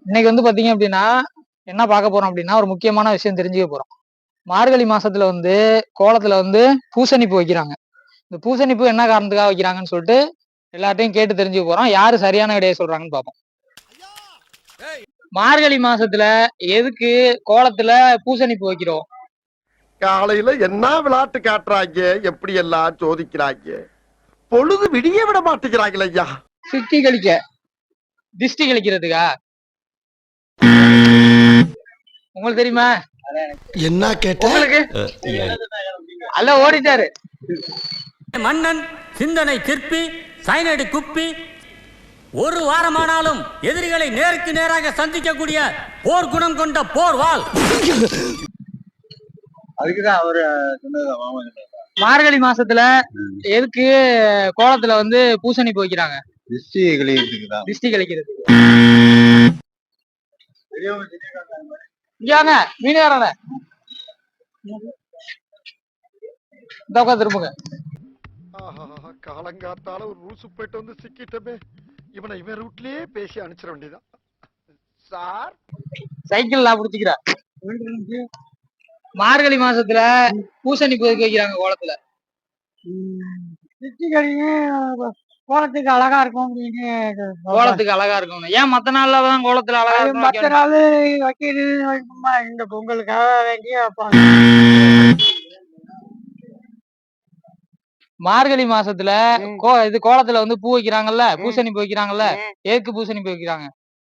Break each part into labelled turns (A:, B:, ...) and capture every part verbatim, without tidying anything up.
A: இன்னைக்கு வந்து பாத்தீங்க அப்படின்னா என்ன பார்க்க போறோம் அப்படின்னா ஒரு முக்கியமான விஷயம் தெரிஞ்சுக்க போறோம். மார்கழி மாசத்துல வந்து கோலத்துல வந்து பூசணிப்பு வைக்கிறாங்க. இந்த பூசணிப்பு என்ன காரணத்துக்காக வைக்கிறாங்கன்னு சொல்லிட்டு எல்லாத்தையும் கேட்டு தெரிஞ்சுக்க போறோம். யாரு சரியான விடையை சொல்றாங்கன்னு பார்ப்போம். மார்கழி மாசத்துல எதுக்கு கோலத்துல பூசணிப்பு வைக்கிறோம்?
B: காலையில என்ன விளையாட்டு காட்டுறாங்க, எப்படி எல்லாம் சோதிக்கிறாங்க, பொழுது விடிய விட மாட்டேங்கிறாங்களே ஐயா.
A: சிட்டி கழிக்க, திஷ்டி கழிக்கிறதுக்கா? உங்களுக்கு தெரியுமா?
C: என்ன கேட்ட?
A: உங்களுக்கு அல்ல ஓடிட்டாரு.
D: மன்னன் சிந்தனை சிற்பி சைனடி குப்பி ஒரு வாரமானாலும் எதிரிகளை நேருக்கு நேராக சந்திக்கக்கூடிய போர் குணம் கொண்ட போர் வாள்.
E: அதுக்குதான் அவரு
A: மார்கழி மாசத்துல எதுக்கு கோலத்துல வந்து பூசணி போய்க்கிறாங்க?
E: திருஷ்டி கழிக்கிறதுக்கு தான்.
A: திஷ்டி கழிக்கிறது. இங்க மீனவரான இந்த உட்காந்து திரும்புங்க.
B: காலங்காத்தால ஒரு ரூசு போயிட்டு வந்து சிக்கிட்டமே. இவனை இவன் ரூட்லயே பேசி அனுப்பிச்சிட வேண்டியதான். சார்
A: சைக்கிள் நான் பிடிச்சிக்கிறேன். மார்கழி மாசத்துல பூசணி போய்க்கு வைக்கிறாங்க கோலத்துல. கோலத்துக்கு அழகா இருக்கும் அப்படின்னு. கோலத்துக்கு அழகா இருக்கும். ஏன் மத்த நாள்லதான் கோலத்துல அழகா இருக்கும்? மத்த நாள் வைக்கிறது இந்த பொங்கலுக்காக வேண்டிய வைப்பாங்க. மார்கழி மாசத்துல கோ இது கோலத்துல வந்து பூ வைக்கிறாங்கல்ல, பூசணி பூ வைக்கிறாங்கல்ல, ஏக்கு பூசணி பூ வைக்கிறாங்க.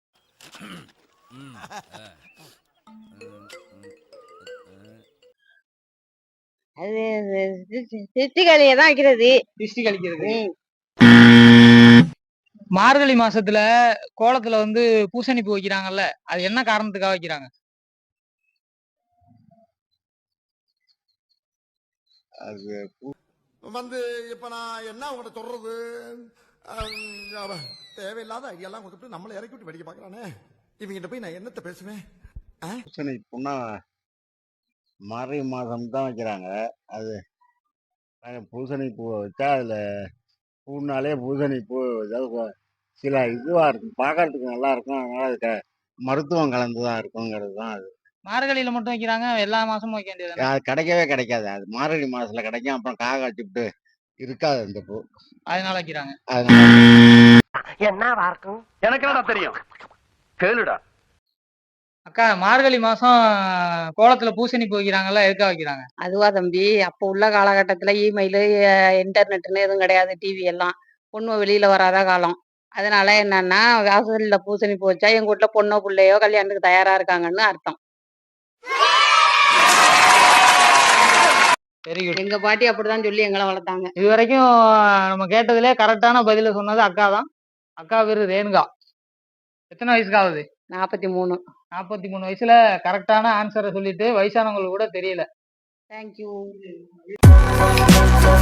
F: அது திருஷ்டி கழியை தான் வைக்கிறது.
A: திருஷ்டி கழிக்கிறது. மார்கழி மாசத்துல கோலத்துல வந்து பூசணி பூ வைக்கிறாங்கல்ல, அது என்ன காரணத்துக்காக வைக்கிறாங்க?
E: அது
B: வந்து இப்ப நான் என்ன உங்கள்கிட்ட சொல்றது, தேவையில்லாத ஐடியாலாம் கொடுத்துட்டு நம்மளை இறக்கி விட்டு வெடிக்க பாக்குறானே. இவங்கிட்ட போய் நான் என்னத்த பேசுவேன்?
E: பூசணி பூனா மார்கழி மாதம் தான் வைக்கிறாங்க. அது பூசணி பூ வச்சா அதுல பூனாலே பூசணி பூ சில இதுவா இருக்கும், பார்க்கறதுக்கு நல்லா இருக்கும். அதனால அது மருத்துவம் கலந்துதான் இருக்குங்கிறது தான். அது
A: மார்கழியில மட்டும் வைக்கிறாங்க, எல்லா மாசமும் வைக்க வேண்டியது.
E: அது கிடைக்கவே கிடைக்காது. அது மார்கழி மாசத்துல கிடைக்கும். அப்புறம் காக வச்சுட்டு இருக்காது அந்த பூ,
A: அதனால வைக்கிறாங்க.
B: என்ன இருக்கும் எனக்கு என்ன தெரியும், கேளுடா.
A: அக்கா, மார்கழி மாசம் கோலத்துல பூசணி பூ வைக்கிறாங்கல்ல, எதுக்காக வைக்கிறாங்க?
F: அதுவா தம்பி, அப்போ உள்ள காலகட்டத்துல இமெயிலு இன்டர்நெட்னு எதுவும் கிடையாது, டிவி எல்லாம் பொண்ணு வெளியில வராத காலம். அதனால என்னன்னா வாசல்ல பூசணி பூ வச்சா எங்க வீட்டுல பொண்ணோ பிள்ளையோ கல்யாணத்துக்கு தயாரா இருக்காங்கன்னு அர்த்தம்.
A: Very good.
F: எங்க பாட்டி அப்படிதான் சொல்லி எங்களை வளர்த்தாங்க.
A: இது வரைக்கும் நம்ம கேட்டதுல கரெக்டான பதில சொன்னது அக்கா தான். அக்கா பேரு ரேணுகா. எத்தனை வயசுக்கு ஆகுது?
F: நாற்பத்தி மூணு.
A: நாற்பத்தி மூணு வயசுல கரெக்டான ஆன்சரை சொல்லிட்டு வயசானவங்களுக்கு கூட தெரியல.
F: தேங்க்யூ.